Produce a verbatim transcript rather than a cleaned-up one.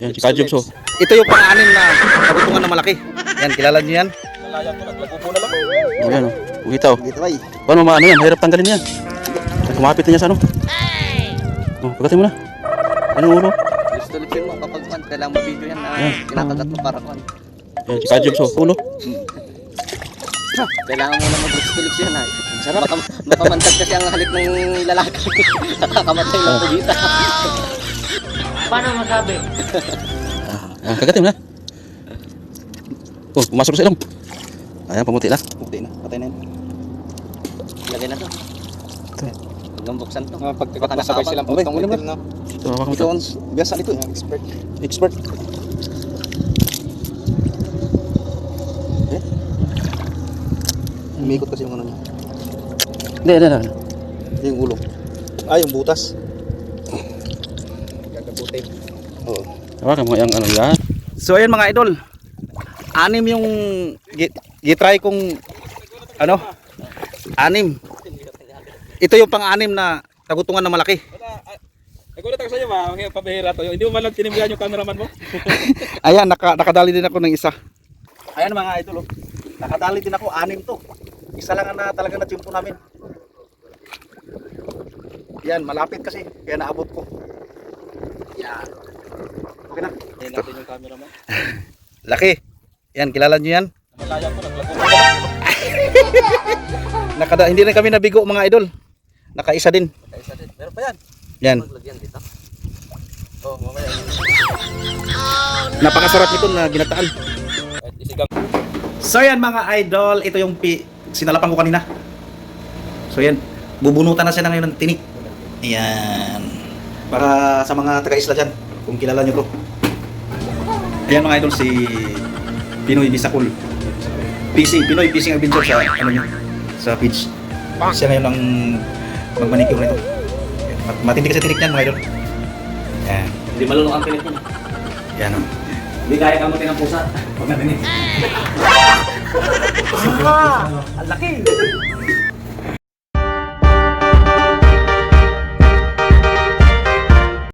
Yan, si Kajubs oh. Ito yung pang-anim na kabutungan na malaki. Yan, kilala niyo yan? Malayan ko, naglagubo na lang. Oh, yan oh. Ugita oh. Dito ay. Paano maano yan? Hirap tanggalin yan. Ay, kumapit na niya sa ano. Oh, pagatin mo na. Ano yung ulo? Gusto ulit mo kapag man, kailangan mo video yan na Yan. kinakagat mo para kan. Yan, si Kajubs oh. Ulo. Kailangan mo na mag-gusto yan ay. Sarap. Baka, baka mantag kasi ang halik ng lalaki. Nakakamatay ng pugita. Paano masabi? Ah, kagatin mo na. Oh, pumasok sa ilong. Ayan, pamuti na. Puti na, patay na yan. Lagay na to. Hanggang buksan to. Mga pagkagat masabay silang Okay, putong okay, itim na. Ito, hawakan mo Ito ito. ang biasa nito. Expert. Expert. Eh? Umikot kasi yung ano niya. Hindi, hindi, hindi. Yung ulo. Ah, yung butas. Gagabutin. Oo. Hawakan mo yung ano yan. So ayan mga idol. Anim yung gi- gitry kong ano? Anim. Ito yung pang-anim na tagutungan na malaki. Nagulat ako sa iyo, ma. Ang pabihira to. Hindi mo man lang tinimbihan yung cameraman mo. Ayan, naka, nakadali din ako ng isa. Ayan mga idol, oh. Nakadali din ako, anim to. Isa lang na talaga na tiyempo namin. Yan, malapit kasi, kaya naabot ko. Yan. Okay na. Tingnan natin yung cameraman. Laki. Yan, kilala nyo yan? Malayan ko, naglagubo na lang. Nakada, hindi na kami nabigo mga idol. Nakaisa din. Kaisa din. Meron pa yan. Yan. Maglagyan dito. Oh, mamaya. Napakasarap nito na ginataan. Kahit isigang. So yan mga idol, ito yung pi sinalapan ko kanina. So yan, bubunutan na siya na ngayon ng tinik. Ayan. Para sa mga taga-isla dyan, kung kilala nyo to. Ayan mga idol, si Pinoy Bisakul. P C, Pinoy Fishing Adventure sa ano nyo, sa page. Siya ngayon ang magmanicure nito. Ayan, mat- matindi kasi tinik niyan mga idol. Ayan. Hindi malunok ang pilit niya. Ayan o. Hindi kaya kamutin ng pusa. Pag narinig. Ah, ang laki.